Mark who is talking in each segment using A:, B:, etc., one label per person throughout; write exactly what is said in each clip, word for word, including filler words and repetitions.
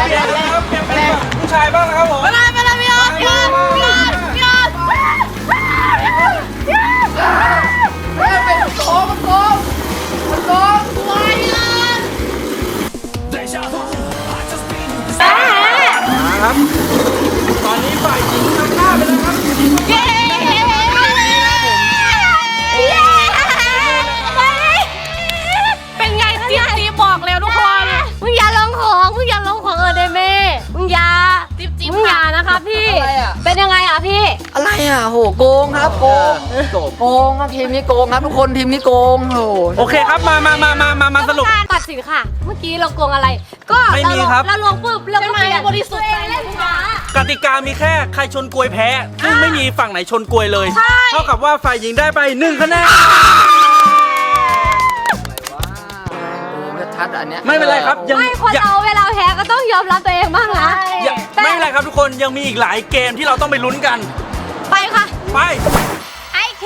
A: เปลี่ยนนะครับเปลี่ยนเป็นฝั่งผู้ชายบ้างนะครับผม
B: ไปเลยไปเลยพี่ออสพี่ออสพี่ออสพี่ออส
C: เป็นโกงโกงโกง
B: ไว้เลย
A: ครับตอนนี้ฝ่ายหญิงนำหน้าไปแล้วครับ
B: เย้เป็นไงจิ๊บจิ๊บบอกแล้วทุกคนมึงอย่าลงของมึงอย่าลงของเออเดเม่มึงอย่าจิ๊บจิ๊บมึงอย่านะคะพี่เป็นยังไงอ่ะพี่
C: อะไรอ่ะโหโกงครับโกงโกงครับทีมนี้โกงครับทุกคนทีมนี้โกงโห
A: โอเคครับมามามามามามาสรุป
B: การตัดสินค่ะ เมื่อกี้เราโกงอะไร ก็
A: ไม่มีครับ
B: เราลงปุ๊บเราก็เปลี่ยนบริสุทธิ์ใจเลยลูกค้าก
A: ติกามีแค่ใครชนกลวยแพ้ซึ่งไม่มีฝั่งไหนชนกลวยเลย เท่ากับว่าฝ่ายหญิงได้ไปหนึ่งคะแนน
C: โกงชัดๆอันเนี้ย
A: ไม่เป็นไรครับยัง
B: ไม่คน
A: ยัง
B: เราเวลาแพ้ก็ต้องยอมรับตัวเองบ้างนะ
A: ยังไม่เป็นไรครับทุกคนยังมีอีกหลายเกมที่เราต้องไปลุ้นกัน
B: ไปค่ะ
A: ไป
B: ไอเค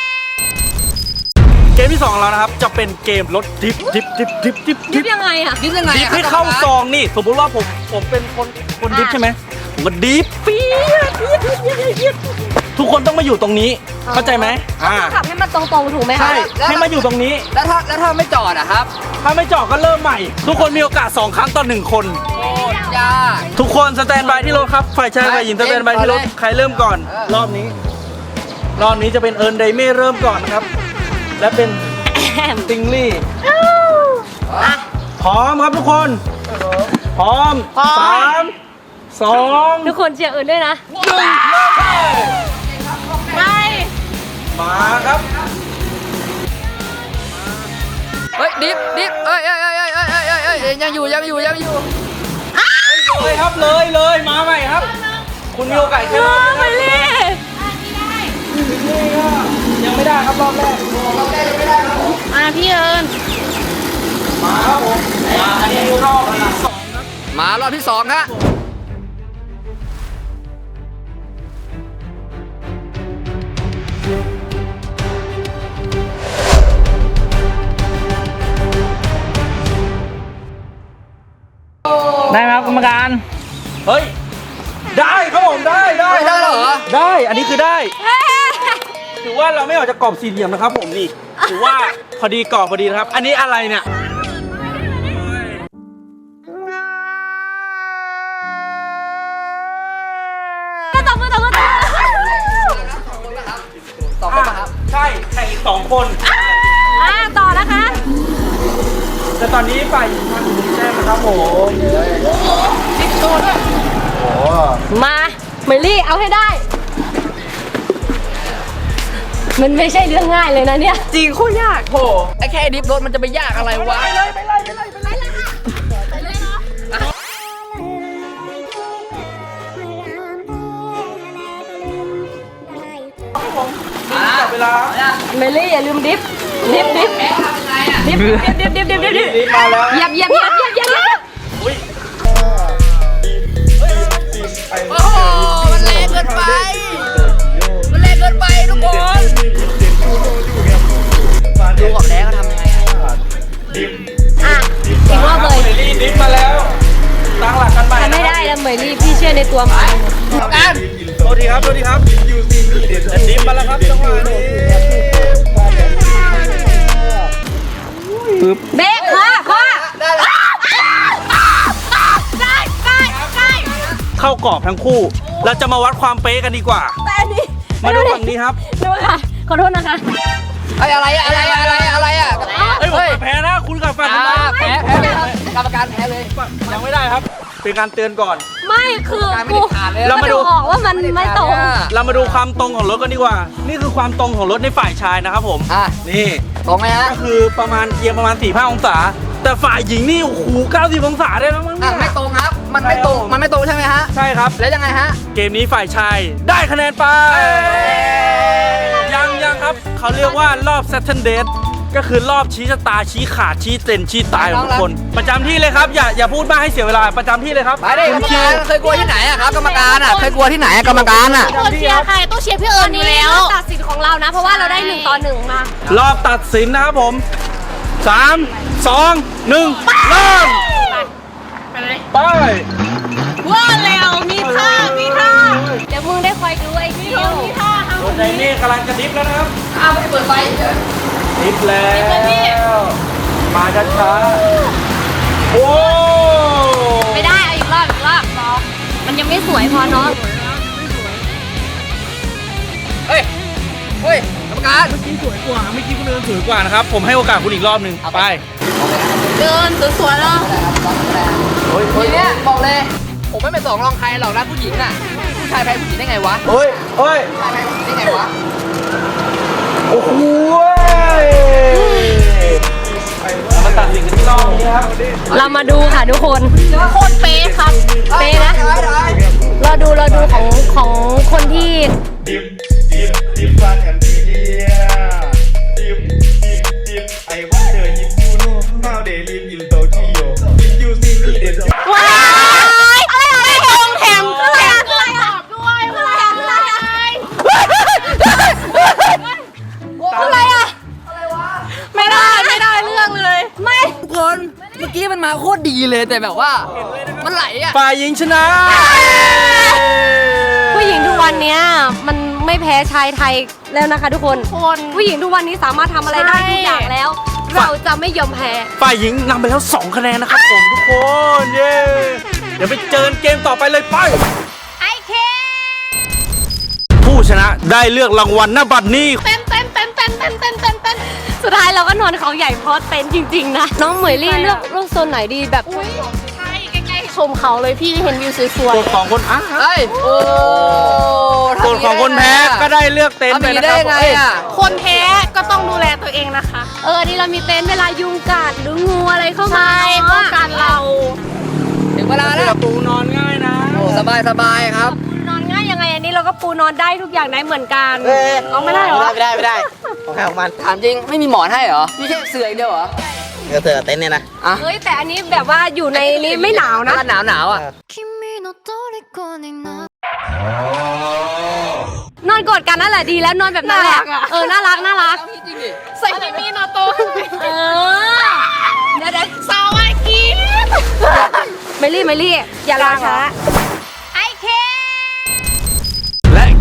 A: เกมที่สองของเรานะครับจะเป็นเกมรถดิฟดิฟดิฟดิฟดิฟ
B: ดิ
A: ดิ
B: ฟ
A: ฟ
B: ยังไงอ่ะ
C: ดิฟยังไง
A: ดิฟ
C: อะ
A: ให้เข้าซองนี่สมมติว่าผมผมเป็นคนคนดิฟใช่ไหมผมก็ดิฟปี๊ดปี๊ดปี๊ดปี๊ดปี๊ดทุกคนต้องมาอยู่ตรงนี้เข้าใจไหมอ่า
B: ขับให้มันตรงๆถูกไหมคะ
A: ใช่ให้มาอยู่ตรงนี้
C: แล้วถ้าแล้วถ้าไม่จอดอะครับ
A: ถ้าไม่จอดก็เริ่มใหม่ ทุกคนมีโอกาสสองครั้งต่อหนึ่งคน
C: โอ้ยาก
A: ทุกคนสแตนบายที่รถครับฝ่ายชายฝ่ายหญิงสแตนบายที่รถ
C: เองก่อนเลย
A: ใครเริ่มก่อน
C: เออ
A: รอบนี้ รอบนี้จะเป็นเอิร์นไดเม่เริ่มก่อนนะครับ และเป็นติงลี่พร้อมครับทุกคน พร้อมสามสอง
B: ทุกคนเชียร์อื่นด้วยนะ
A: หนึ่งเริ่มเลย
B: ไป
A: มาครับ
C: เฮ้ยดิฟดิฟเอ้ยเอ้ยเอ้ยเอ้ยเอ้ยเอ้ยเอ้ยเอ้ยยังอยู่ยังอยู่ยังอยู่
A: เลยครับเลยเลยมาใหม่ครับ คุณมีโอกาสแค่รอบ
B: ไป
A: นี้
B: เลย
A: ยังไม่ได้ครับรอบแรก
B: มาพี่เอิญ
A: มาครับผมมาอันนี้รอบที่สองครับ
C: มารอบที่สองฮะ
A: เฮ้ยได้ครับผมได้ได้
C: ไม่ได้เหรอ
A: ได้อันนี้คือได้ถือว่าเราไม่ออกจากกรอบสี่เหลี่ยมนะครับผมนี่ถือว่าพอดีกรอบพอดีนะครับ อันนี้อะไรเนี่ย
B: ก็ตบมือตบมือตบมือ
C: สองคนครับ
A: ใช่แข่งอีกสองคน
B: อ่าต่อนะคะ
A: แต่ตอนนี้ฝ่ายหญิงทำอยู่แต้มนะครับผมสิบตัวด้วยโอ้
B: มาเมลี่เอาให้ได้ มันไม่ใช่เรื่องง่ายเลยนะเนี่ย
C: จริงโคตรยากโหไอ้แค่ดิฟรถมันจะไปยากอะไรวะไปเลยไปเลยไปเลยไปเลย
A: จับเวลา
B: เมลี่อย่าลืมดิฟดิฟดิฟ
C: แพ้ทำยังไงอ่ะ
B: ดิฟดิฟดิฟดิฟดิฟดิฟ
A: รีบมาแล้ว
B: เหยียบเหยียบเหยียบเหยียบเหยียบเหยียบ
A: อุ้ย
C: โอ้โหมันแรงเกินไปมันแรงเกินไปทุกคนดูกับแล้วเขาทำยังไงอ่ะ
B: อ่ะอีกรอบเลย
A: เมลี่ดิฟมาแล้วตั้งหลักกันใหม่
B: ทำไม่ได้นะเมลี่พี่เชื่อในตัวมัน
C: ทำกัน
A: โทษทีครับโทษทีครับดิฟมาแล้วครับจังหวะนี้ปึ๊บ
B: เบรกขวาขวา
C: ได้แล้ว
B: ได้ได้ได้
A: เข้ากรอบทั้งคู่ เราจะมาวัดความเป๊ะกันดีกว่า
B: แต่อันนี้
A: มาดูฝั่งนี้ครับ
B: ดูค่ะขอโทษนะคะ
C: ไอ้อะไรอะอะไรอะอะไรอะอะไรอะ
A: เฮ้ยผมแพ้นะคุณกับฝั่ง
C: อ่า
A: ทำไม
C: แพ้แพ้แพ้กรรมการแพ้เลย
A: ยังไม่ได้ครับ เป็นการเตือนก่อน
B: ไม่คือ
C: การไม่
B: กู
C: ได้ขาดเลย
A: เรามาดู
B: บอกว่ามันไม่ตรง
A: เรามาดูความตรงของรถกันดีกว่า นี่คือความตรงของรถในฝ่ายชายนะครับผม
C: อ่ะ
A: นี่
C: ตรงไหมฮะ
A: ก็คือประมาณเอียงประมาณสี่ห้าองศา แต่ฝ่ายหญิงนี่โอ้โหเก้าสิบองศาได้แล้วมั้ง
C: อ่ะ
A: เนี่ย
C: ไม่ตรงครับ มันไม่ตรงมันไม่ตรงใช่ไหมฮะ
A: ใช่ครับ
C: แล้วยังไงฮะ
A: เกมนี้ฝ่ายชายได้คะแนนไป ยังยังครับ เขาเรียกว่ารอบ Saturn Date ก็คือรอบชี้ชะตาชี้ขาดชี้เต็นชี้ตายของทุกคน ประจำที่เลยครับ อย่าอย่าพูดมากให้เสียเวลาประจำที่เลยครับ
C: ไปดิกรรมการเคยกลัวที่ไหนอะครับกรรมการอะเคยกลัวที่ไหนอะกรรมการอะ
B: คนเชียร์ใครต้องเชียร์พี่เอิญอยู่แล้วตัดสินของเรานะ เพราะว่าเราได้หนึ่งต่อหนึ่งมาร
A: อบตัดสินนะครับผมสามสองหนึ่งเริ่ม
B: ไปเลย
A: ไป
B: ว่าแล้วมีท่ามีท่าเดี๋ยวมึงได้คอยดูไอ้คิวมีท่าทำ
A: รถไดนี่กำลังจะดิฟแล้วนะครับ
C: อ้าวไม่ได้เปิดไฟ
A: ดิฟแล้วมาช้าๆโอ้
B: ไม่ได้เอาอีกรอบอีกรอบน้องมันยังไม่สวยพอเนาะ
C: เฮ้ยเฮ้ยกรรมการ
A: เมื่อกี้สวยกว่าเมื่อกี้คุณเดินสวยกว่านะครับผมให้โอกาสคุณอีกรอบหนึ่งไป
B: เดินสวยๆแล้ว
C: ทีเนี้ยบอกเลย ผมไม่เป็นสองรองใครหรอกนะผู้หญิงน่ะ ผู้ชายแพ้ผู้หญิงได้ไงวะ
A: เฮ้ยเฮ้ย
C: ผู้ชายแพ้ผู้หญิงได้ไงวะ
A: โอ้โหมาตัดสินกันที่รอบนี้ครับ
B: เรามาดูค่ะทุกคนโคตรเป๊ะครับเป๊ะนะเราดูเราดูของของคนที่
D: ดิบดิบดิบฟันกันดีเดียดิบดิบดิบไอ้ว่าเธอยิบยูโน่เมาเดลิฟอินโตเกียวยิบยูซีมีเดน
B: ว้ายอะไรอะไรแถมแถมอะไรอะอะไรอะด้วยอะไรอะอะไรอะไม่ได้ไม่ได้เรื่องเลย ไม่
C: ทุกคน เมื่อกี้มันมาโคตรดีเลยแต่แบบว่า มันไหลอะ
A: ฝ่ายหญิงชนะ
B: ผู้หญิงทุกวันเนี้ยมันไม่แพ้ชายไทยแล้วนะคะทุกคนผู้หญิงทุกวันนี้สามารถทำอะไรได้ทุกอย่างแล้ว เราจะไม่ยอมแพ้
A: ฝ่ายหญิงนำไปแล้วสองคะแนนนะครับผมทุกคนเย้เดี๋ยวไปเจอเกมต่อไปเลยไป
B: ไอเค
A: ผู้ชนะได้เลือกรางวัลหน้าบัตรนี้
B: เต้นเต้นเต้นเต้นเต้นเต้นเต้นเต้นสุดท้ายเราก็นอนเขาใหญ่เพราะเต้นจริงๆนะน้องเหมยลี่เลือกเลือกโซนไหนดีแบบใช่ใกล้ๆชมเขาเลยพี่เห็นวิวสวย
A: ส่วนของคนอ่ะ
C: เฮ้ย โอ้
A: ส่วนของคนแพ้ก็ได้เลือกเต็นท์
C: ทำ
A: ไป
C: อย่าง
A: นะ
C: นี้
A: ค
C: ได้
A: รับ
C: ยังไงอะ
B: ๆคนแพ้ก็ต้องดูแลตัวเองนะคะ เออนี่เรามีเต็นท์เวลายุงกัดหรืองูอะไรเข้ามาป้องกันเรา
C: ถึงเวลาแล้ว
A: ปูนอนง่ายนะ
C: โอ้สบายสบายครับ
B: ปูนอนง่ายยังไงอันนี้เราก็ปูนอนได้ทุกอย่างได้เหมือนกัน
C: เอ้ย
B: เอาไม่ได้เหรอ
E: ไม่ได้ไม่ได้ของใครของมัน
C: ถามจริงไม่มีหมอนให้เหรอมีแค่เสื่ออย่างเดียวเหรอ
E: เดี๋ยวเธอเต้นเนี่ยนะ
C: อ่ะ
B: เฮ้ยแต่อันนี้แบบว่าอยู่ในนี้ไม่หนาวนะ
C: หนาวหนาวๆอ่ะ
B: นอนกอดกันนั่นแหละดีแล้วนอนแบบนั้นแหละเออน่ารักน่ารัก
C: จริงดิ
B: ใส่กิมีโนโตเออเดี๋ยวเดี๋ยวสวัสดีเมลี่เมลี่อย่ารอช้า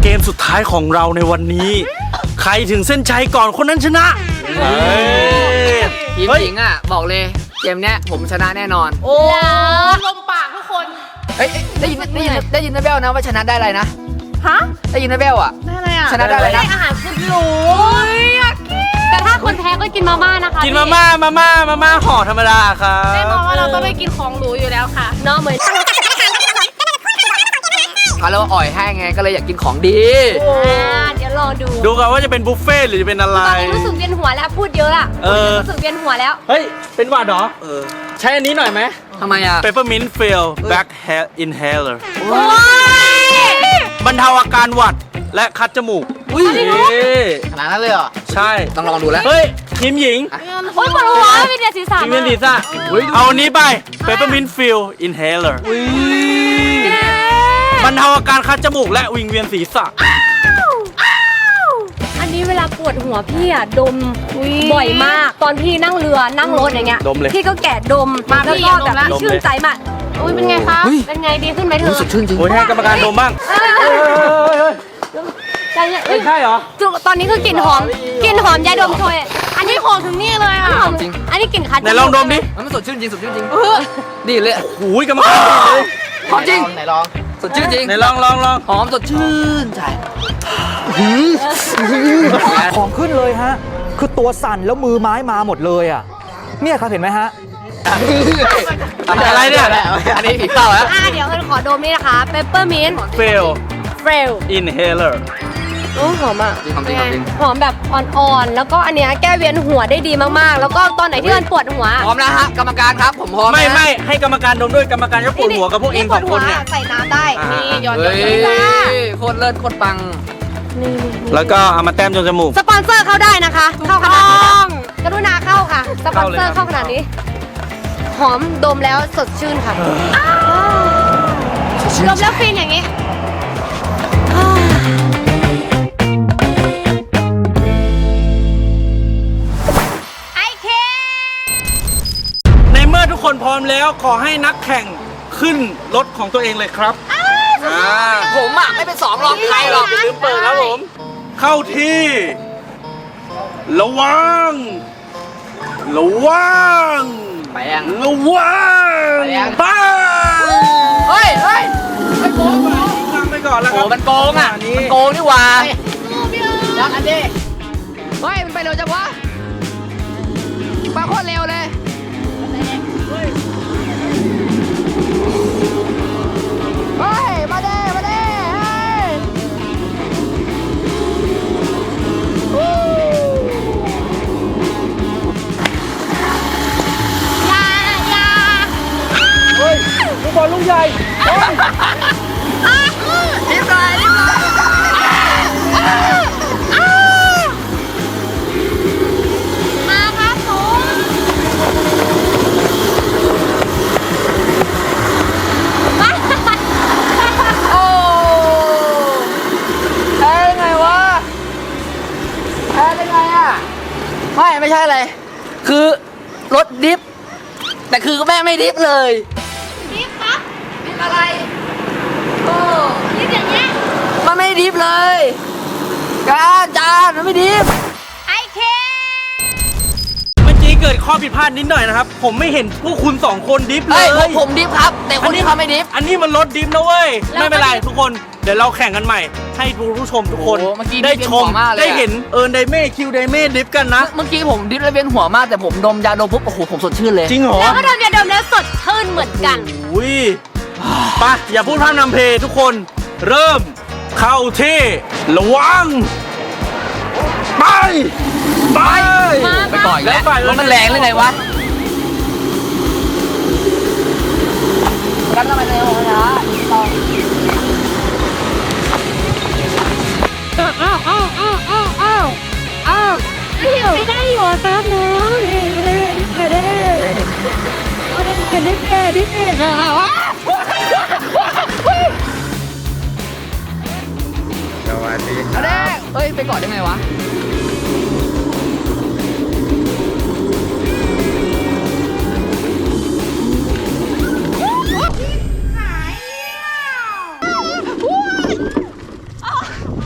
A: เกมสุดท้ายของเราในวันนี้ ใครถึงเส้นชัยก่อนคนนั้นชนะเฮ้ย
C: ทีมหญิงอ่ะบอกเลยเกมเนี้ยผมชนะแน่นอน
B: โอ้ลมปากทุกคน
C: เอ้ยได้ยินได้ยินได้ยินนะเบลนะว่าชนะได้อะไรนะ
B: ฮะ
C: ได้ยินนะเบลอ่ะ
B: ได้อะไรอ่ะ
C: ชนะได้อะไรนะ
B: อาหารสุดหรูอยากกินแต่ถ้าคนแพ้ก็กินมาม่านะคะ
A: กินมาม่ามาม่ามาม่าห่อธรรมดาครับ
B: แน่นอนว่าเราต้องไปกินของหรูอยู่แล้วค่ะเนาะเหมือน
C: เขาเรียกว่าอ่อยให้ไงก็เลยอยากกินของดี
B: อ่าเดี๋ยวลองดู
A: ดูกันว่าจะเป็นบุฟเฟ่ต์หรือจะเป็นอะไร
B: ตอนนี้รู้สึกเวียนหัวแล้วพูดเยอะอะ
A: เออ
B: รู้สึกเวียนหัวแล้ว
A: เฮ้ย เป็นหวัดเหรอเออใช้อันนี้หน่อยไหม
C: ทำไมอ่ะ
A: Peppermint Fill Back Hair Inhaler
B: โอ้ย
A: บรรเทาอาการหวัดและคัดจมูก
C: อุ้ย
A: นี่
E: ขนาดนั้นเลยเหรอ
A: ใช่
C: ต้องลองดูแล้ว
A: เฮ้ยทีมหญิง
B: โอ้ยปวดหัวมีแต่ศีรษะ
A: ทีมเวียนศีรษะเอาอันนี้ไป Peppermint Fill Inhaler บรรเทาอาการคัดจมูกและวิงเวียนศีรษะ
B: อันนี้เวลาปวดหัวพี่อะดมบ่อยมาก ตอนพี่นั่งเรือนั่งรถอย่างเงี้ย
A: ดมเลย
B: พี่ก็แกะดมแล้วก็แบบ
A: ดมเลย
B: ชื่นใจมากอุ้ยเป็นไงคะ
C: เฮ้ย
B: เป็นไงดีขึ้นไหมเธอ
C: รู้สึกชื่นจริง
A: โอ้ยให้กรรมการดมบ้าง
B: ใจเย็นเอ้
A: ไม่
B: ย
A: ใช่เหรอ
B: จุตอนนี้คือกลิ่นหอมกลิ่นหอมยาดมโชยอันนี้หอมถึงนี่เลยอ่ะ
C: หอมจริง
B: อันนี้กลิ่นคัด
A: ไหนลองดมดิ
C: มันสดชื่นจริงสดชื่นจริงดีเลย
A: หูยกรรมการดีเลย
C: หอมจริง
E: ไหนลอง
C: สดชื่นจริง
A: ไหนลองลองลอง
C: หอมสดชื่นใจ
F: ของขึ้นเลยฮะ คือตัวสั่นแล้วมือไม้มาหมดเลยอ่ะ เนี่ยครับเห็นไหมฮะ
A: อะไรเนี่ย
C: อันนี้ผีเป้าแล้ว
B: อ่าเดี๋ยวขอดมนี่นะคะเปปเปอร์มินต์
A: Fill
B: เฟล
A: Inhaler
B: โอ้หอมอ่ะ
C: จริงหอมจริงหอมจริง
B: หอมแบบอ่อนๆแล้วก็อันเนี้ยแก้เวียนหัวได้ดีมากๆ แล้วก็ตอนไหนที่มันปวดหัว
C: พร้อมแล้วฮะกรรมการครับผมพร้อม
A: ไม่
C: นะ
A: ไม่ให้กรรมการดมด้วยกรรมการก็ปวดหัวกับพวกเองสองคนเนี่ย
B: ใส่น้ำได้
A: อ่านี่
B: นี่หยอดหย
C: เฮ้
B: อด
C: ย
B: หยอดจ้า
C: โคตรเลิศโคตรปัง
B: นี่
A: แล้วก็เอามาแต้มจนจมูก
B: สปอนเซอร์เข้าได้นะคะ เข้าขนาดนี้นะกรุณาเข้าค่ะ สปอนเซอร์
A: เข้าเลยครับ
B: เข้าขนาดนี้ หอมดมแล้วสดชื่นค่ะดมแล้วฟินอย่างนี้ ไอเค
A: ในเมื่อทุกคนพร้อมแล้วขอให้นักแข่งขึ้นรถของตัวเองเลยครับอ่า
C: ผมอ่ะไม่เป็นสองรองใครหรอก
A: อย่าลืมเปิดครับผม เข้าที่ ระวัง ระวัง
C: ไปยัง
A: ระวัง
C: ไปยัง
A: ไป
C: เฮ้ยเฮ้ย
A: นำไปก่อนแล้วค
C: โอ้
A: รับ
C: มันโกงอ่ะ
A: นี้
C: มันโกงนี่หว่ายักอันนี้เฮ้ยมันไปเร็วจังวะไปโคตรเร็วเลยเฮ้ยมาเด้มาเด้เฮ้ยวู้
B: อย่าอย่า
A: เฮ้ยลูกบอลลูกใหญ่เฮ้ย
C: รีบหน่อยรีบหน่อย
B: มาครับผม
C: โอ้แพ้ได้ไงวะแพ้ได้ไงอ่ะไม่ไม่ใช่อะไรคือรถดิฟแต่คือแม่ไม่ดิฟเลย
B: รีบครับ
C: ดิฟอะไรโอ้
B: รีบอย่างเงี้ย
C: มันไม่ดิฟเลยการจานมันไม่ดิฟ
B: ไอเค
A: เมื่อกี้เกิดข้อผิดพลาดนิดหน่อยนะครับ ผมไม่เห็นพวกคุณสองคนดิฟเล
C: เฮ้ย
A: ย
C: ผมผมดิฟครับ แต่คนที่เขาไม่ดิฟ
A: อันนี้มันรถดิฟนะเว้ย ไม่เป็นไรทุกคน เดี๋ยวเราแข่งกันใหม่ ให้ผู้ชมทุกคน
C: โอ้เมื่อกี้
A: ได้ชม
C: ดิฟเวียนหัวมากเลยอะ
A: ได้เห็นเอิร์นไดเม่คิวไดเม่ดิฟกันนะ
C: เมื่อกี้ผมดิฟแล้วเวียนหัวมากแต่ผมดมยาดมปุ๊บโอ้โหผมสดชื่นเลย
A: จริงเหรอ
B: แล้วก็ดมยาดมแล้วสดชื่นเหมือนกัน
A: อุ้ยไปอย่าพูดพร่ำนำเพลงทุกคน เริ่มเข้าที่ระวัง ไป ไป
C: ไปก่อนอีกแล้ว
A: แล้วฝ่าย
C: รถมันแรงหรือไงวะกันทำไมเร็วช้าต่อ
B: อ้าวอ้าวอ้าวอ้าวอ้าวอ้าวไม่ได้อยู่แป๊บนึงไม่ได้ไม่ได้ไม่ได้ไม่ได้ไม่ได้ไม่ได้
E: สวัสดีค
C: เอา
E: รับ
C: แน่เฮ้ย ไปก่อนได้ไงวะ
B: ม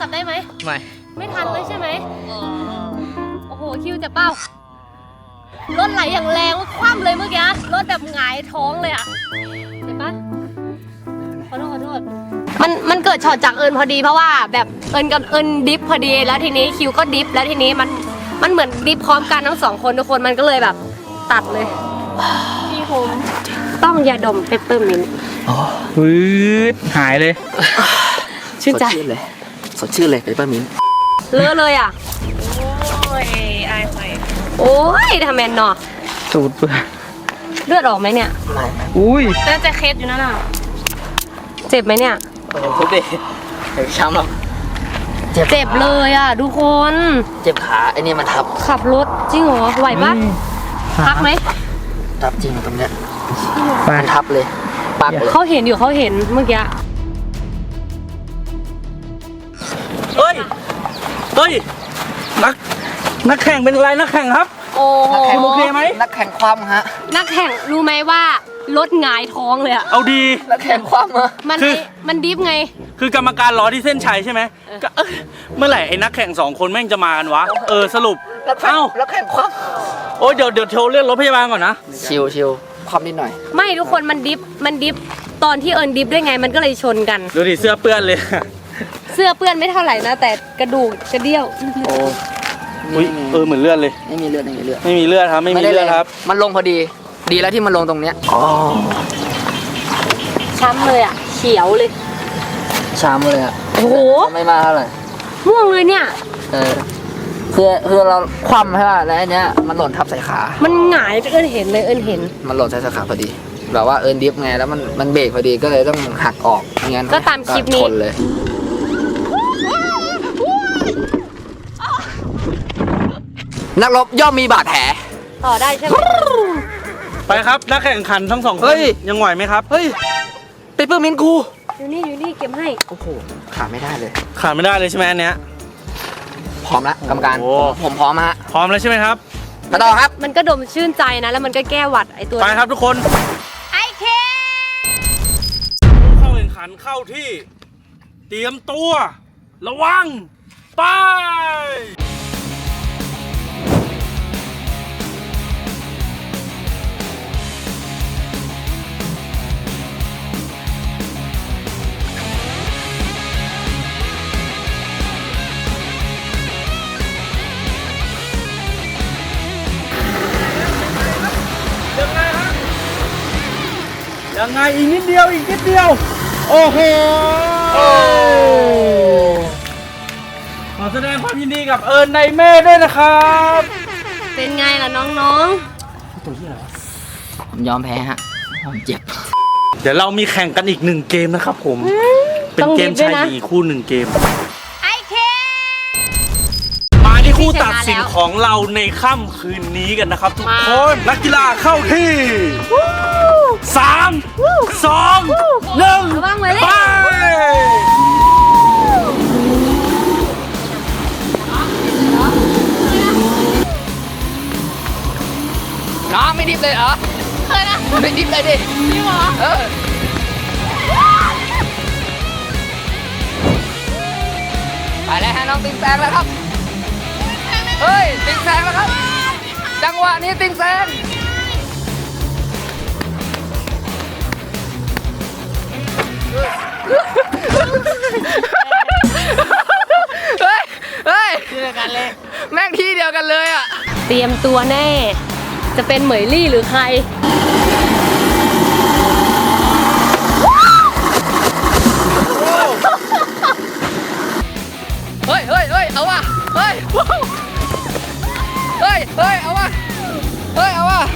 B: จับได้ไหม
C: ไม่
B: ไม่ทันเลยใช่ไหมโอ้โหคิวเจ็บเป้ารถไหลอย่างแรงว่าคว่ำเลยเมื่อกี้รถแบบหงายท้องเลยอะเจ็บปะขอโทษขอโทษมันมันเกิดช็อตจากเอิญพอดีเพราะว่าแบบเอิญกับเอิญดิฟพอดีแล้วทีนี้คิวก็ดิฟแล้วทีนี้มันมันเหมือนดิฟพร้อมกันทั้งสองคนทุกคนมันก็เลยแบบตัดเลยพี่ผมต้องยาดมเปปเปอร์มินต์
A: ปื๊ดหายเลย
B: ชื่นใจ
C: สดชื่นเลย สดชื่นเลยเปปเปอร์มินต์
B: เลอะเลยอ่ะ โอ้ยไอ้ไฟโอ้ยทำแมนเนาะ
A: สูดเปื่อย
B: เลือดออกไหมเนี่ย
C: ไม่
A: อุ้ย
B: แต่จะเคสอยู่นั่นน่ะ เจ็บไหมเนี่ย
C: โอ้โหทุบดิเจ็บช้ำหรอก
B: เจ็บเลยอ่ะทุกคน
C: เจ็บขาไอ้นี่มันทับ
B: ขับรถจริงเหรอ ไหวปะพักไหม
C: ทับจริงตรงเนี้ย
A: ไป
C: มันทับเลยปักเลย
B: เขาเห็นอยู่เขาเห็นเมื่อกี้
A: เฮ้ย เฮ้ย นัก นักแข่งเป็นอะไรนักแข่งครับ
B: โอ้โห
A: คุณโอเคไหม
C: นักแข่งความฮะ
B: นักแข่งรู้ไหมว่ารถหงายท้องเลยอ่ะ
A: เอาดี
C: นักแข่งความฮะ
B: มัน
A: คือ
B: มันดิฟไง
A: คือกรรมการรอที่เส้นชัยใช่ไหมก็เอ้ยเมื่อไหร่ไอ้นักแข่งสองคนแม่งจะมากันวะ เออสรุป
C: นักแข่ง
A: เอ้า
C: นักแข่งความ
A: โอ้ยเดี๋ยวเดี๋ยวโทรเรียกรถพยาบาลก่อนนะ
C: ชิวชิวความนิดหน่อย
B: ไม่ทุกคนมันดิฟมันดิฟตอนที่เอิญดิฟด้วยไงมันก็เลยชนกัน
A: ดูดิเสื้อเปื้อนเลย
B: เสื้อเปื้อนไม่เท่าไหร่นะ แต่กระดูกกระเดี่ยว
C: โอ้
A: อุ้ยเออเหมือนเลือดเลย
C: ไม่มีเลือดไม่มีเลือด
A: ไม่มีเลือดครับ ไม่มี
C: ด้
A: เลือดครับ
C: มันลงพอดี ดีแล้วที่มันลงตรงเนี้ยอ๋อ
B: ช้ำเลยอ่ะ เขียวเลย
C: ช้ำเลยอะ
B: โอ้โห
C: ไม่มาเท่าไหร่
B: ม่วงเลยเนี่ย
C: เออคือคือเราคว่ำใช่ป่ะแล้วอันเนี้ยมันหล่นทับใส่ขา
B: มันหงายเอิญเห็นเลยเอิญเห็น
C: มันหล่นใส่สาขาพอดี แบบว่าเอิร์นดิฟไงแล้วมันมันเบรกพอดีก็เลยต้องหักออกไม่งั้น
B: ก็ตามคลิปนี้
C: ชนเลย นักรบย่อมมีบาดแผล
B: ต่อได้ใช่ไหม
A: ไปครับนักแข่งขันทั้งสองค
C: เฮ้
A: น
C: ย
A: ยังไหวไหมครับ
C: เฮ้ยเปเปอร์มินต์กู
B: อยู่นี่อยู่นี่เก็บให้
C: โอ้โหขาดไม่ได้เลย
A: ขาดไม่ได้เลยใช่ไหมอันเนี้ย
C: พร้อมแล้วกรรมการ
A: โอ้
C: ผมผมพร้อมฮะ
A: พร้อมแล้วใช่ไหมครับ
C: มาต่อครับ
B: มันก็ดมชื่นใจนะ แล้วมันก็แก้หวัดไอตัว
A: ไปครับทุกคน
B: ไอเค
A: เข้าแข่งขันเข้าที่ เตรียมตัว ระวัง ไป ยังไงฮะยังไงอีกนิดเดียวอีกนิดเดียว โอ้โหขอแสดงความยินดีกับเอิญในเม่ด้วยนะครับ
B: เป็นไงล่ะน้อง
C: ผมยอมแพ้ฮะผมเจ็บ
A: เดี๋ยวเรามีแข่งกันอีกหนึ่งเกมนะครับผม
B: ๆ
A: เป็น
B: ต้อง
A: เก
B: รี
A: ม
B: บด้ว
A: ชาย ย
B: นะ
A: หญิงอีกคู่หนึ่งเกม
B: ไอเค
A: มาที่คู่ตัดสิน
B: ชนะแล้ว
A: ของเราในค่ำคืนนี้กันนะครับทุก
B: มา
A: คน นักกีฬาเข้าที่สามสองหนึ่ง
B: ระวังไว้เลย
A: ไป
C: น้องไม่ดิฟเลยเหรอ
B: เคยนะ
C: ไม่ดิฟเลยดิ
B: พี่หมอ
C: เออไปแล้วฮะน้องติงแซงแล้วครับ เฮ้ยติงแซงแล้วครับ จังหวะนี้ติงแซงเฮ้ย เฮ้ยที่เดียวกันเลย แม่งที่เดียวกันเลยอ่ะ
B: เตรียมตัวแน่ จะเป็นเหมยลี่หรือใคร
C: เฮ้ยเฮ้ยเฮ้ยเอาว่ะ เฮ้ย เฮ้ย เฮ้ย เอาว่ะ เฮ้ย เอาว่ะ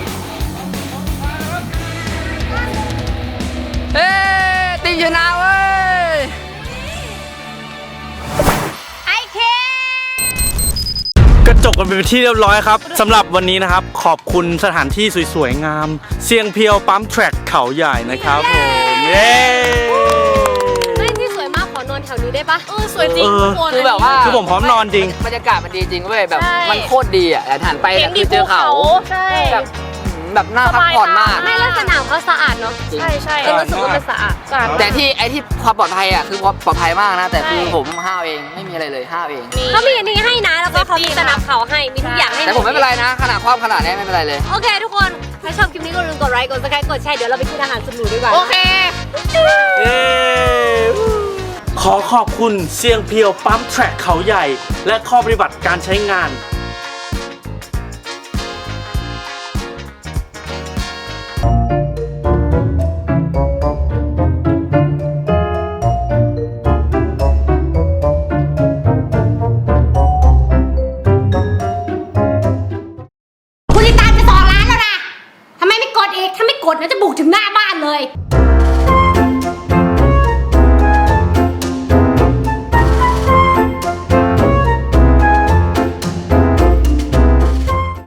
C: เฮ้ยติงชนะเว้ย
B: ไอเค
A: กระจกกันเป็นที่เรียบร้อยครับสำหรับวันนี้นะครับ ขอบคุณสถานที่สวยๆงาม เสียงเพียวปั๊มแทร็กเขาใหญ่นะครับผมเย้
B: เฮ้ยที่สวยมากขอนอนแถวนี้ได้ปะเออสวยจริง
A: เออ
C: คือแบบว่า
A: คือผมพร้อมนอนจริง
C: บรรยากาศมันดีจริงเว้ยแบบ
B: ใช่
C: มันโคตรดีอ่ะแต่หันไปเนี่ยคือเจอเขา
B: ใช่
C: แบบแบบน่าพักผ่อนมาก
B: ไม่แล้วสนามเขาสะอาดเนาะ
C: จริง
B: ใช่ใช่เออรู้สึกว่ามันสะอาดสะอาด
C: แต่ที่ไอ้ที่ความปลอดภัยอ่ะคือปลอดภัยมากนะ แต่คือ
B: ใช่
C: ผมห้าวเองไม่มีอะไรเลยห้าวเอง
B: เขามีอันนี้ให้นะแล้วก็เขามีสนับเขาให้มีทุกอย่างให้
C: แต่ผมไม่เป็นไรนะ ขนาดความขนาดนี้ไม่เป็นไรเลย
B: โอเคทุกคนถ้าชอบคลิปนี้ก็อย่าลืมกดไลค์กดซับสไครต์กดแชร์เดี๋ยวเราไปกินอาหารสุดหรูดีกว่า
C: โอเค
A: เย้ขอขอบคุณเซียงเพียวปั๊มแทร็กเขาใหญ่ และข้อปฏิบัติการใช้งาน
B: คุณติดตามจะสองล้านแล้วนะทำไมไม่กดอีกถ้าไม่กดนะจะบุกถึงหน้าบ้านเลย